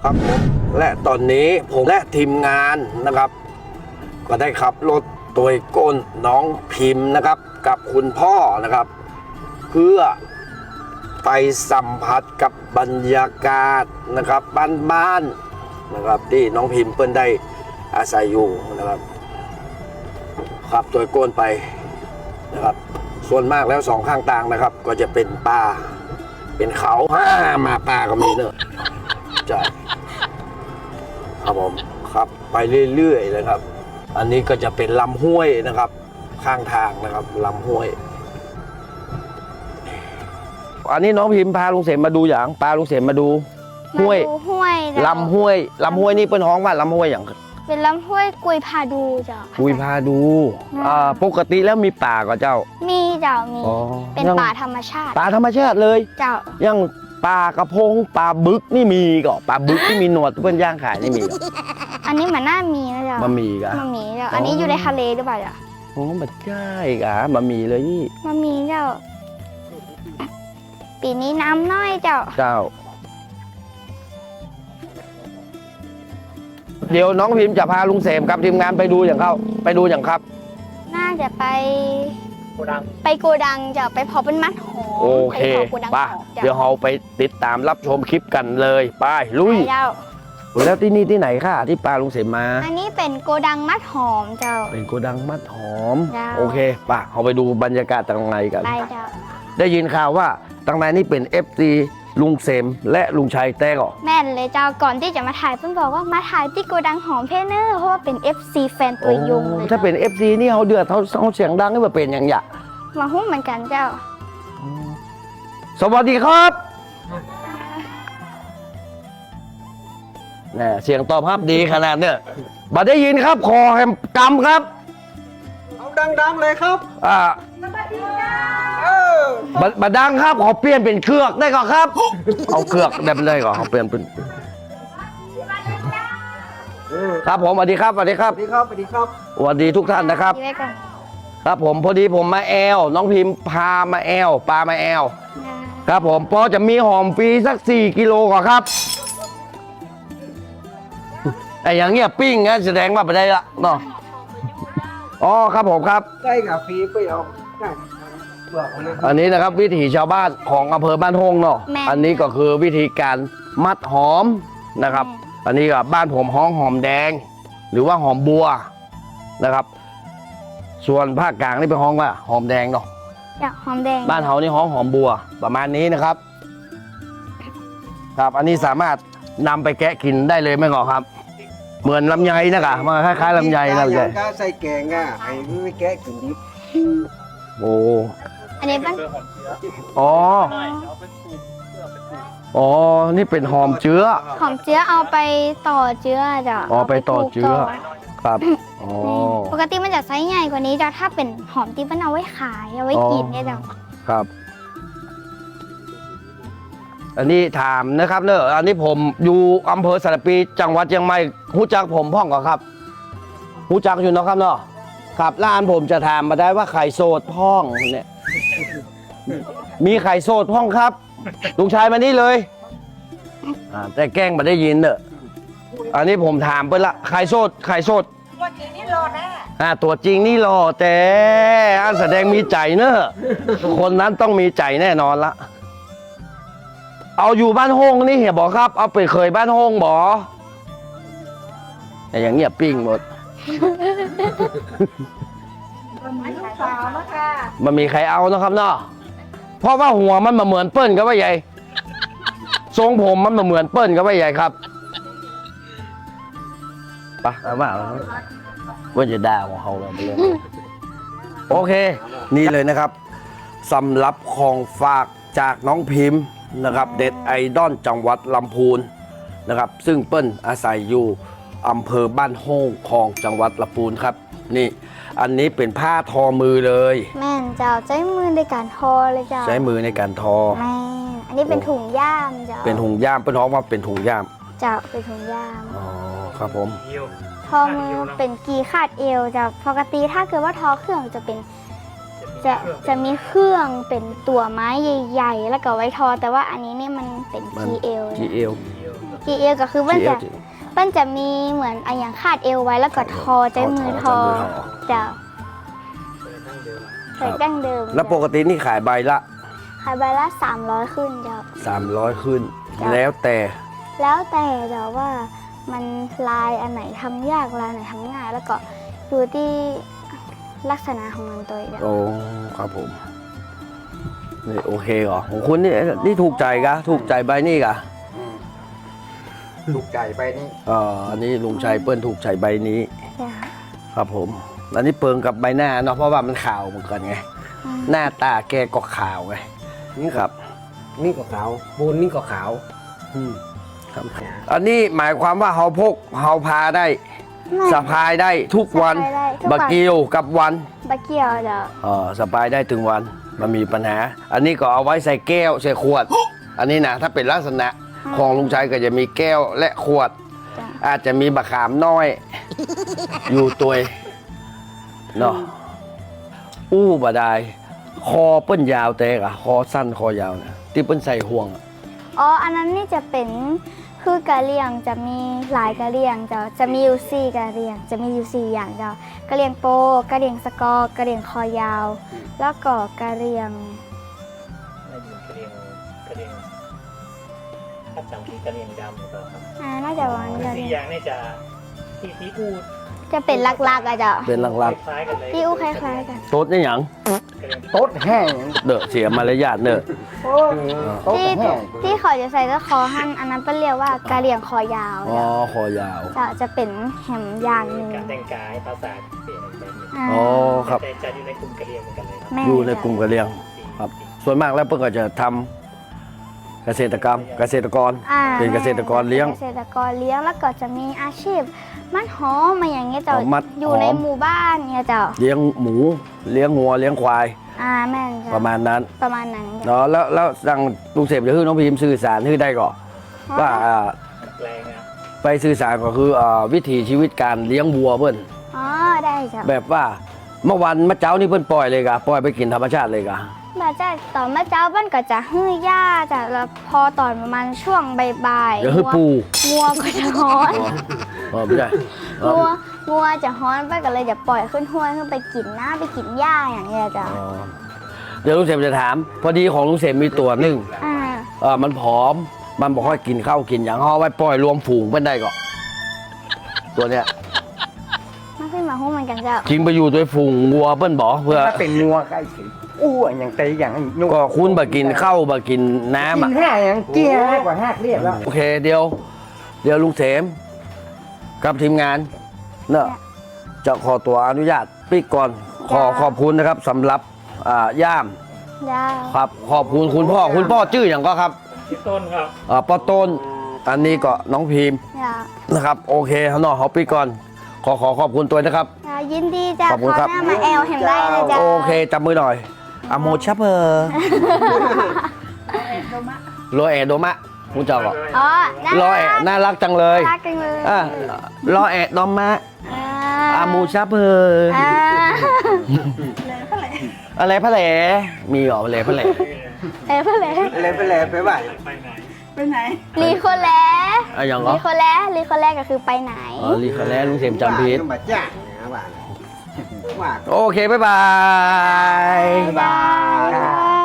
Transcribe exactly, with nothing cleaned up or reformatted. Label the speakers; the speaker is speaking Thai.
Speaker 1: ครับผมและตอนนี้ผมและทีมงานนะครับก็ได้ขับรถโดยก้นน้องพิมพ์นะครับกับคุณพ่อนะครับเพื่อไปสัมผัสกับบรรยากาศนะครับบ้านๆนะครับที่น้องพิมพ์เพิ่นได้อาศัยอยู่นะครับขับโดยก้นไปนะครับส่วนมากแล้วสองข้างทางนะครับก็จะเป็นป่าเป็นเขาห้ามาป่าก็มีเนอะใช่ครับผมครับไปเรื่อยๆเลยครับอันนี้ก็จะเป็นลำห้วยนะครับข้างทางนะครับลำห้วยอันนี้น้องพิมพ์พาลุงเสมมาดูอย่างพาลุงเสมมาดูห้วย
Speaker 2: ห้วย
Speaker 1: ลำห้วยลำห้วยนี่เป็นห้องว่าลำห้วยอย่าง
Speaker 2: เป็นลำห้วยกุยพาดูเจ้า
Speaker 1: กุยพาดูอ่าปกติแล้วมีป่าก็เจ้า
Speaker 2: มีเจ้ามีเป็นป่าธรรมชาติ
Speaker 1: ป่าธรรมชาติเลย
Speaker 2: เจ้า
Speaker 1: ยังปลากระพงปลาบึกนี่มีก็ปลาบึกที่มีหนวดเพื่อนย่างขายนี่มีก็
Speaker 2: อันนี้มันน่ามีนะเจ้า
Speaker 1: บะหมี่กะ
Speaker 2: บะหมี่เจ้าอันนี้อยู่ในทะเลหรือเปล่าเจ้า
Speaker 1: โอ้บัดใช่กะบะหมี่เลยนี่
Speaker 2: บะหมี่เจ้าปีนี้น้ำน้อยเจ้า
Speaker 1: เจ้าเดี๋ยวน้องพิมพ์จะพาลุงเสมกับทีมงานไปดูอย่างเขาไปดูอย่างครับ
Speaker 2: น่าจะไป
Speaker 3: โกดัง
Speaker 2: ไปโกดังจะไปพอเป็นมัดหอม
Speaker 1: โอเคป่ะเดี๋ยวเราไปติดตามรับชมคลิปกันเลยไปลุยแล้วที่นี่ที่ไหนค่ะที่ปลาลุงเสมมา
Speaker 2: อันนี้เป็นโกดังมัดหอมเจ้า
Speaker 1: เป็นโกดังมัดหอมโอเคป่ะเราไปดูบรรยากาศตรงไหนกัน
Speaker 2: ไปเจ้า
Speaker 1: ได้ยินข่าวว่าตรงไหนนี่เป็น เอฟ ซี ลุงเสมและลุงชัยแต้ก่อ
Speaker 2: แม่นเลยเจ้าก่อนที่จะมาถ่ายเพิ่งบอกว่ามาถ่ายที่โกดังหอมเพเนอร์เพราะว่าเป็น เอฟ ซี แฟนตัวยงเลย
Speaker 1: ถ้าเป็น เอฟ ซี นี่เขาเดือดเขาเขาเสียงดังนี่ว่าเป็นอย่างหยะ
Speaker 2: มาหุ้มเหมือนกันเจ้า
Speaker 1: สวัสดีครับนี่เสียงตอบรับดีขนาดเนี่ยบัดได้ยินครับคอแฮมกำครับ
Speaker 3: เอาดังๆเลยครับ
Speaker 1: อ่าบัดบัดดังครับขอเปลี่ยนเป็นเครือกได้ก่อนครับเอาเครือกได้เลยก่อนเขาเปลี่ยนเป็นครับผมสวัสดีครับสวัสดีครับ
Speaker 3: สวัสดีครับสวัสดีครับ
Speaker 1: สวัสดีทุกท่านนะครับครับผมพอดีผมมาแอลน้องพิมพ์พามาแอลปลามาแอลครับผมพอจะมีหอมฟรีสักสี่กิโลก่อนครับไอ้อย่างเงี้ยปิ้งนะแสดงว่าไปได้ละเนาะอ๋อครับผมครับ
Speaker 3: ใช่กับฟรีไปเอา
Speaker 1: อันนี้นะครับวิถีชาวบ้านของอำเภอบ้านฮงเนาะอันนี้ก็คือวิธีการมัดหอมนะครับอันนี้กับบ้านผมห้องหอมแดงหรือว่าหอมบัวนะครับส่วนภาคกลางนี่เป็นห้องว่าหอมแดงเนาะ
Speaker 2: หอมแดง
Speaker 1: บ้านเฮานี่ห้องหอมบัวประมาณนี้นะครับครับอันนี้สามารถนำไปแกะกินได้เลยไหมงอครับเหมือนลำไยนะคะมาคล้ายๆลำไยนะใช่
Speaker 3: ใส่แกงอ่ะไอ้ไม่แกะกินดิบ
Speaker 1: โอ้
Speaker 2: อันนี้บ้าน
Speaker 1: อ๋ออ๋อนี่เป็นหอมเชื้อ
Speaker 2: หอมเชื้อเอาไปต่อเชื้อจ้ะ
Speaker 1: อ๋อไปต่อเชื้อครับอ๋อ
Speaker 2: ปกติมันจะไซส์ใหญ่กว่านี้จ้ะถ้าเป็นหอมที่มันเอาไว้ขายเอาไว้กินเนี่ยจ้ะ
Speaker 1: ครับอันนี้ถามนะครับเนอะอันนี้ผมอยู่อำเภอสระปีจังหวัดเชียงใหม่หูจักผมพ่องก่อนครับหูจักอยู่นะครับเนาะครับร้านผมจะถามมาได้ว่าไข่โสดพ่องเนี่ยมีไข่โสดพ่องครับลุงชายมานี่เลยแต่แกล้งมาได้ยินเนอะอันนี้ผมถามไปละไข่โสดไข่โสดตัวจริงนี่รอแน่อ่าตัวจริงนี่รอแต่อันแสดงมีใจเนอะคนนั้นต้องมีใจแน่นอนละเอาอยู่บ้านห้องนี่เหี่ยบอกครับเอาไปเคยบ้านห้องบอแต่อย่างเงียบปิ้งหมดมันมีใครเอานะครับเนาะเพราะว่าหัวมันมาเหมือนเปิ้ลกับว่าใหญ่ทรงผมมันมาเหมือนเปิ้ลกับว่าใหญ่ครับปะเอามาว่าจะด่าของเขาเราไปเลยโอเคนี่เลยนะครับสำหรับของฝากจากน้องพิมพ์นะครับเด็ดไอดอลจังหวัดลำพูนนะครับซึ่งเปิ้ลอาศัยอยู่อำเภอบ้านโฮงของจังหวัดลำพูนครับนี่อันนี้เป็นผ้าทอมือเลย
Speaker 2: แม่นเจ้าใช้มือในการทอเลยเจ้า
Speaker 1: ใช้มือในการทอ
Speaker 2: แม่อันนี้เป็นถุงย่ามเจ้า
Speaker 1: เป็นถุงย่ามเป็นท้องว่าเป็นถุงย่าม
Speaker 2: เจ้าเป็นถุงย่าม
Speaker 1: อ๋อครับผม
Speaker 2: ทอมือเป็นกีคาดเอวเจ้าปกติถ้าเกิดว่าทอเครื่องจะเป็นจะจะมีเครื่องเป็นตัวไม้ใหญ่ๆแล้วก็ไว้ทอแต่ว่าอันนี้เนี่ยมันเป็นกีเอว
Speaker 1: กีเอว
Speaker 2: กีเอวก็คือมัน
Speaker 1: กี่เอ
Speaker 2: จะ
Speaker 1: ว
Speaker 2: มันจะมีเหมือนอะอย่างคาดเอวไว้แล้วก็ทอใจมือทอ
Speaker 1: ใช้มือทอ
Speaker 2: เจ้าใส่ดั้งเดิม
Speaker 1: แล้วปกตินี่ขายใบละ
Speaker 2: ขายใบละสามร้อยขึ้นเจ้า
Speaker 1: สามร้อยขึ้น
Speaker 2: จ้ะ
Speaker 1: แล้วแต่
Speaker 2: แล้วแต่เจ้าว่ามันลายอันไหนทำยากลายไหนทำง่าย แล้วก็อยู่ที่ลักษณะของมันตัวเอง
Speaker 1: โอ้ครับผมนี่โอเคเหรอของคุณนี่นี่ถูกใจกะถูกใจใบนี่กะ
Speaker 3: ถูกใจไปนี่
Speaker 1: อ่าอันนี้ลุงชัยเปิ้ลถูกใจใบนี้
Speaker 2: จ้ะ
Speaker 1: ครับผม อันนี้เปิงกับใบหน้าเนาะเพราะว่ามันขาวเหมือนกันไง
Speaker 2: อืม
Speaker 1: หน้าตาแกก็ขาวไง
Speaker 3: นี่
Speaker 1: ครับ
Speaker 3: นี่ก็ขาวปูนนี่ก็ขาว
Speaker 1: อืมครับ อันนี้หมายความว่าเฮาพกเฮาพาได้
Speaker 2: ไม่
Speaker 1: สะพายได้ทุกวัน
Speaker 2: สะพายได้ทุกวัน
Speaker 1: บักเกียวกับวัน
Speaker 2: บะเกี่ยวเจ้า
Speaker 1: เออสะพายได้ถึงวันมันมีปัญหา อันนี้ก็เอาไว้ใส่แก้วใส่ขวด อันนี้นะถ้าเป็นลักษณะของลุงชัยก็จะมีแก้วและขวด
Speaker 2: จ้ะ
Speaker 1: อาจจะมีบะขามน้อย อยู่ตัวเนาะอู้บาดายคอเปิ้นยาวแต่กะคอสั้นคอยาวเนี่ยที่เปิ้นใส่ห่วงอะ
Speaker 2: อ๋ออันนั้นนี่จะเป็นคือกะเหรี่ยงจะมีหลายกะเหรี่ยงเจ้าจะมีอยู่สี่กะเหรี่ยงจะมีอยู่สี่อย่างเจ้ากะเหรี่ยงโปกะเหรี่ยงสกอร์กะเหรี่ยงคอยาว แล้วก็กะเหรี่ยง
Speaker 4: น่าจะเป็นกระเรียงกระเรียงถ้าจำที่กระเรียงดำหรือเปล่าครับ
Speaker 2: อ่าน่าจะวัน
Speaker 4: คือ
Speaker 2: กะเห
Speaker 4: สี่
Speaker 2: รี่ยง
Speaker 4: อย่างนี่จะที่ที่อูด
Speaker 2: จะเป็นลักๆอะเจ้า
Speaker 1: เป็นหลัก
Speaker 4: คล้ายๆกันเลย
Speaker 2: ที่อู้คล้ายๆกัน
Speaker 1: ๆโต๊ดนี่หยัง
Speaker 4: กระเรียง
Speaker 3: โต๊ดแห้ง
Speaker 1: เด้อเสียมารยาทเด้อ
Speaker 3: โอ้โต๊ด
Speaker 2: ที่
Speaker 3: แห้ง
Speaker 2: ที่เขาจะใส่ก็คอหั่นอันนั้นเป็นเรียกว่ากะเหรี่ยงคอยาว
Speaker 1: อ๋อ
Speaker 2: เจ้า
Speaker 1: คอยาว
Speaker 2: จะจะเป็นแหมอย่างหนึ่ง
Speaker 4: การแต่งกายภาษาเปลี่ยนไปหนึ่ง
Speaker 2: อ่า
Speaker 1: อ๋อครับ
Speaker 4: แต่จะอยู่ในกลุ่มกระเรียงเหมือนกันเลยครับ
Speaker 2: แม่
Speaker 1: อยู่ในกลุ่มกะเหรี่ยง
Speaker 4: สี่
Speaker 1: ครับ
Speaker 4: สี่
Speaker 1: ส่วนมากแล้วเปิ้นก็จะทำเกษตรกรรม เกษตรกร
Speaker 2: อ่า
Speaker 1: เป็นเกษตรกรเลี้ยง
Speaker 2: เกษตรกรเลี้ยงแล้วก็จะมีอาชีพ มัดหอมมาอย่างเงี้ยเจ้า
Speaker 1: อ๋อมัด
Speaker 2: อยู่
Speaker 1: หอม
Speaker 2: ในหมู่บ้านเนี่ยเจ้า
Speaker 1: เลี้ยงหมู เลี้ยงงัว เลี้ยงควาย
Speaker 2: อ่าแม่นเจ้า
Speaker 1: ประมาณนั้น
Speaker 2: ประมาณนั้นเจ้า
Speaker 1: เนาะแล้วแล้วสั่งลุงเสพจะให้น้องพิมพ์สื่อสารให้ได้ก่อนว่าอ่า
Speaker 4: แปลงนะ
Speaker 1: ไปสื่อสารก็คืออ่าวิถีชีวิตการเลี้ยงวัวเพิ่น
Speaker 2: อ๋อได้เจ้า
Speaker 1: แบบว่าเมื่อวันเมื่อเจ้านี่เพิ่นปล่อยเลยกะปล่อยไปกินธรรมชาติเลยกะ
Speaker 2: แบบเจ้าต่อมาเจ้าบ้านก็จะฮื้อย่าจ้ะแล้วพอตอนประมาณช่วงบ่ายๆ
Speaker 1: เดี๋ยวให้
Speaker 2: งัว
Speaker 1: ปู
Speaker 2: งัวก็จะฮ้อน
Speaker 1: อ๋อไม่ใช่อ๋อ
Speaker 2: งัวงัวจะฮ้อนไปก็เลยจะปล่อยขึ้นห้วยขึ้นไปกินน้าไปกินหญ้าอย่างเงี้ยเจ้า
Speaker 1: อ๋อเดี๋ยวลุงเสพจะถาม พอดีของลุงเสพมีตัวหนึ่ง
Speaker 2: อ่า
Speaker 1: เออมันผอม มันบอกว่ากินข้าวกินอย่างเอาไว้ปล่อยรวมฝูงเพิ่นได้ก่อนตัวเนี้ย
Speaker 2: มันขึ้นมาหุ้มเหมือนกันเจ้า
Speaker 1: จริงไปอยู่ด้วยฝูงวัวเพิ่นบอกเพื่อ
Speaker 3: ถ้าเป็นงัวใกล้ถึงอู้อย่างเตยอย่างนุ่
Speaker 1: ก็คุณบ่กินข้าวบ่กินน้ำ
Speaker 3: กิ
Speaker 1: อ่ะ
Speaker 3: นห้าอย่างเกี้ยกว่าห้าเรียบแล้ว
Speaker 1: โอเคเดี๋ยว เดี๋ยวลุงเสมกับทีมงานเนอะจะขอตัวอนุญาตปิดก่อนขอขอบคุณนะครับสำหรับอ่าย่าม
Speaker 2: ย่า
Speaker 1: ครับขอบคุณคุณพ่อคุณพ่อชื่ออย่างก็ครับ
Speaker 4: ที่ต้นครับ
Speaker 1: อ่าป้อต้น อันนี้ก็น้องพิมพ์
Speaker 2: ย่า
Speaker 1: นะครับโอเคเขาเนาะเขาปิดก่อน ขอขอขอบคุณตัวนะครับ
Speaker 2: ย่ายินดีจ้ะ
Speaker 1: ขอบคุณครับ
Speaker 2: หน้ามาแอลเห็นได้เลยจ้า
Speaker 1: โอเคจับมือหน่อยอะโมชับเบอร์โรแอโดมะคุณเจ้าก็
Speaker 2: อ๋อน่า
Speaker 1: โร
Speaker 2: รั
Speaker 1: แอก น่ารักจังเลย
Speaker 2: น่ารักจังเลย
Speaker 1: อ่ะโรแอโดมะ
Speaker 2: อ่า
Speaker 1: อามูชับเบอร์
Speaker 2: อ่า
Speaker 1: อะไรพะแหลมีเหรออะไรพะแหล
Speaker 2: เอ้ยเพื่อนเลย
Speaker 3: เลยไปเลยไปบ่าย
Speaker 4: ไปไหน
Speaker 2: ลีโคแล
Speaker 1: อะอย่างเหรอ
Speaker 2: ลีโคแลลีโคแลก็คือไปไหน
Speaker 1: อ๋อลีคาแลลุงเสมจำผิด
Speaker 3: มาจ้านะบ่ายว่า
Speaker 1: โอเค บ๊ายบาย
Speaker 2: บ๊ายบาย